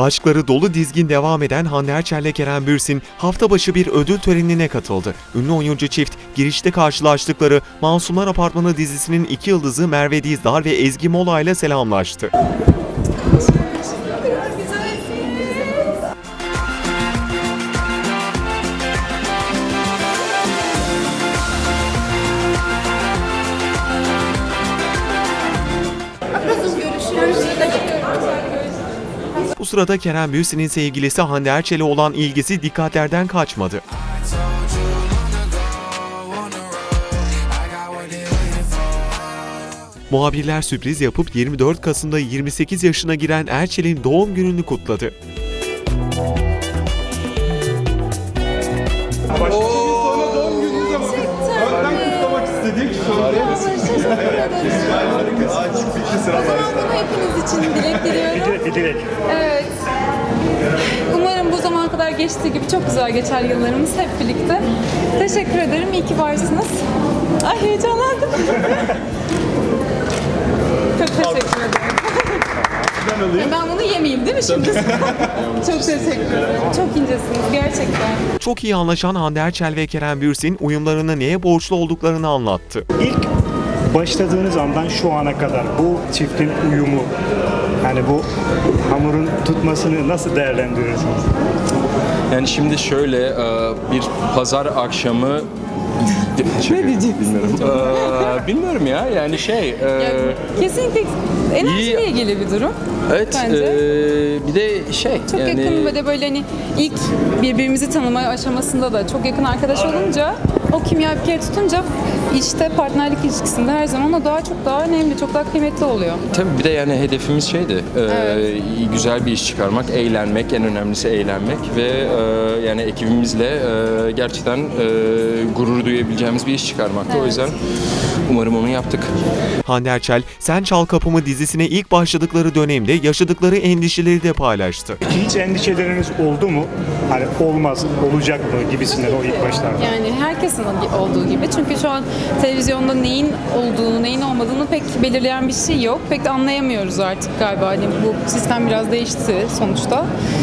Aşkları dolu dizgin devam eden Hande Erçel ile Kerem Bürsin hafta başı bir ödül törenine katıldı. Ünlü oyuncu çift girişte karşılaştıkları Masumlar Apartmanı dizisinin iki yıldızı Merve Dizdar ve Ezgi Mola ile selamlaştı. Bu sırada Kerem Bürsin'in sevgilisi Hande Erçel'e olan ilgisi dikkatlerden kaçmadı. Muhabirler sürpriz yapıp 24 Kasım'da 28 yaşına giren Erçel'in doğum gününü kutladı. Sonra doğum gününüz ama önden kutlamak istedik. Hepiniz için dilek diliyorum. Evet. Umarım bu zamana kadar geçtiği gibi çok güzel geçer yıllarımız hep birlikte. Teşekkür ederim. İyi ki varsınız. Ay heyecanlandım. Çok teşekkür ederim. Ben bunu yemeyeyim değil mi şimdi? Çok teşekkür ederim. Çok incesiniz gerçekten. Çok iyi anlaşan Hande Erçel ve Kerem Bürsin uyumlarını neye borçlu olduklarını anlattı. İlk başladığınız andan şu ana kadar bu çiftin uyumu, yani bu hamurun tutmasını nasıl değerlendiriyorsunuz? Yani şimdi şöyle bir pazar akşamı bilmiyorum. Bilmiyorum ya yani Kesinlikle enerjiyle İyi. ilgili bir durum. evet Bence. Bir de Çok yani yakın ve de böyle hani ilk birbirimizi tanıma aşamasında da çok yakın arkadaş olunca o kimya bir kere tutunca işte partnerlik ilişkisinde her zaman o çok daha önemli, çok daha kıymetli oluyor. tabii bir de yani hedefimiz şeydi. Evet. Güzel bir iş çıkarmak, eğlenmek, en önemlisi eğlenmek ve yani ekibimizle gerçekten gurur duyabileceğimiz bir iş çıkarmaktı. Evet. O yüzden umarım onu yaptık. Hande Erçel, Sen Çal Kapımı dizisine ilk başladıkları dönemde yaşadıkları endişeleri de paylaştı. Hiç endişeleriniz oldu mu? Hani olmaz, olacak mı gibisinden o ilk başlarda. Yani herkesin olduğu gibi. Çünkü şu an televizyonda neyin olduğunu, neyin olmadığını pek belirleyen bir şey yok. Pek de anlayamıyoruz artık galiba. Hani bu sistem biraz değişti sonuçta.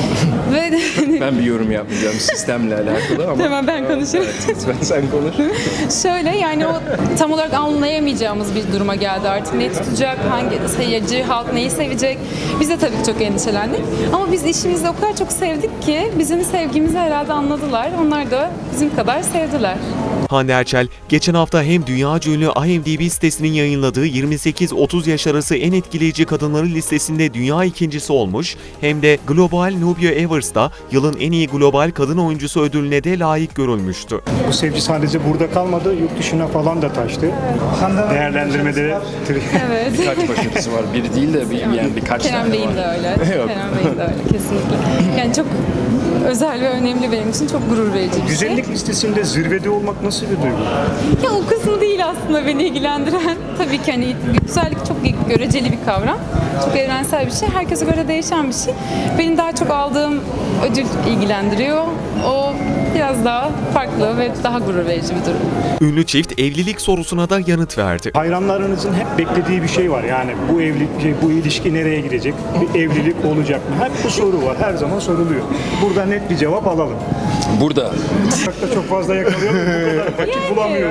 Ve Ben bir yorum yapmayacağım sistemle alakalı ama. Tamam, ben konuşayım. Evet, lütfen sen konuş. şöyle yani o tam olarak anlayamayacağımız bir duruma geldi artık. Ne tutacak, hangi seyirci, halk neyi sevecek? Biz de tabii ki çok endişelendik. Ama biz işimizi o kadar çok sevdik ki bizim sevgimizi herhalde anladılar. Onlar da bizim kadar sevdiler. Hande Erçel, geçen hafta hem dünyaca ünlü IMDb sitesinin yayınladığı 28-30 yaş arası en etkileyici kadınları listesinde dünya ikincisi olmuş, hem de Global Nubia Awards'ta yılın en iyi global kadın oyuncusu ödülüne de layık görülmüştü. Bu sevgi sadece burada kalmadı, yurt dışına falan da taştı. Değerlendirmeleri Evet. Kaç başarısı var? Bir değil de yani birkaç Kerem tane Bey'in var. de öyle. Yok. Kerem Bey'in de öyle kesinlikle. Yani çok özel ve önemli benim için, çok gurur verici bir şey. güzellik listesinde zirvede olmak nasıl bir duygu? Ya o kısmı değil aslında beni ilgilendiren. Tabii ki hani güzellik çok göreceli bir kavram. Çok evrensel bir şey. Herkese göre değişen bir şey. Benim daha çok aldığım ödül ilgilendiriyor. O biraz daha farklı ve daha gurur verici bir durum. Ünlü çift evlilik sorusuna da yanıt verdi. Hayranlarınızın hep beklediği bir şey var. Yani bu ilişki nereye gidecek? Bir evlilik olacak mı? Hep bu soru var. Her zaman soruluyor. Burada net bir cevap alalım. Burada. Uçakta çok fazla yakalıyor mu? Bu kadar vakit bulamıyor.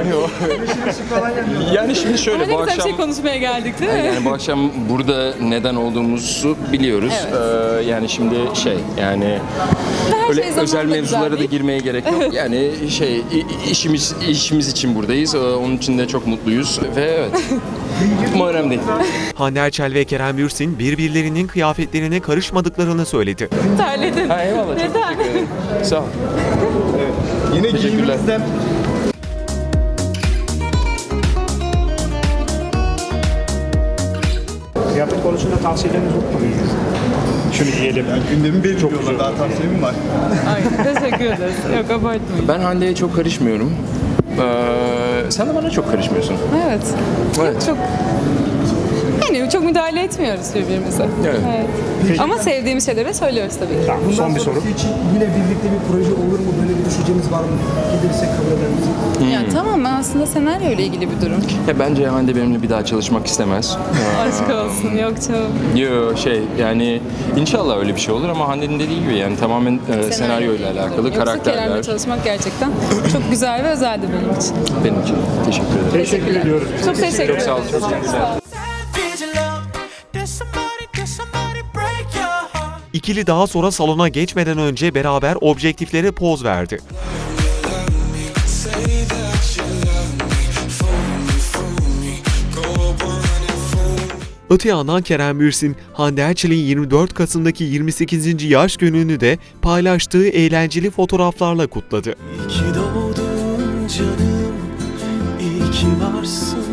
Yani şimdi şöyle Öyle bu güzel bir akşam şey konuşmaya geldik değil mi? yani bu akşam burada neden olduğumuzu biliyoruz. Evet. Yani şimdi yani Her öyle şey zamanla özel mevzulara da güzel değil. girmeye gerek yok. Yani işimiz için buradayız. Onun için de çok mutluyuz ve evet. Ama önemli değil. Hande Erçel ve Kerem Bürsin birbirlerinin kıyafetlerine karışmadıklarını söyledi. Terledin. Ha, eyvallah. Çok Neden? teşekkür ederim. Sağ ol. Yine Teşekkürler. giyiminizden Kıyafet konusunda tavsiyeleriniz yok mu? Şunu giyelim. gündemi belirliyorlar. Daha tavsiyem var. Ay, teşekkür ederiz. Yok abartmayın. Ben Hande'ye çok karışmıyorum. Sen de bana çok karışmıyorsun. Evet. Evet. Çok yani Çok müdahale etmiyoruz birbirimize. Evet. Ama sevdiğimiz şeyleri söylüyoruz tabii ki. Tamam, son bir soru. sonrası için yine birlikte bir proje olur mu? Böyle bir düşünceniz var mı? Gelirsek kabul eder misiniz? Yani tamamen aslında senaryo ile ilgili bir durum. Ya bence Hande benimle bir daha çalışmak istemez. Aşk olsun, yok canım. Yani inşallah öyle bir şey olur ama Hande'nin dediği gibi yani tamamen senaryo ile alakalı, Yoksa karakterler. Kerem'le çalışmak gerçekten çok güzel ve özeldi benim için. Benim için. Teşekkür ederim. Teşekkür ediyoruz. Çok teşekkür ederim. Çok sağ olun. Çok güzel. Did you love? Did somebody break your heart? İkili daha sonra salona geçmeden önce beraber objektiflere poz verdi. Say that you love me, fool me, go up on your phone. Öte yandan Kerem Bürsin, Hande Erçel'in 24 Kasım'daki 28. yaş gününü de paylaştığı eğlenceli fotoğraflarla kutladı. İyi ki doğdun canım, iyi ki varsın.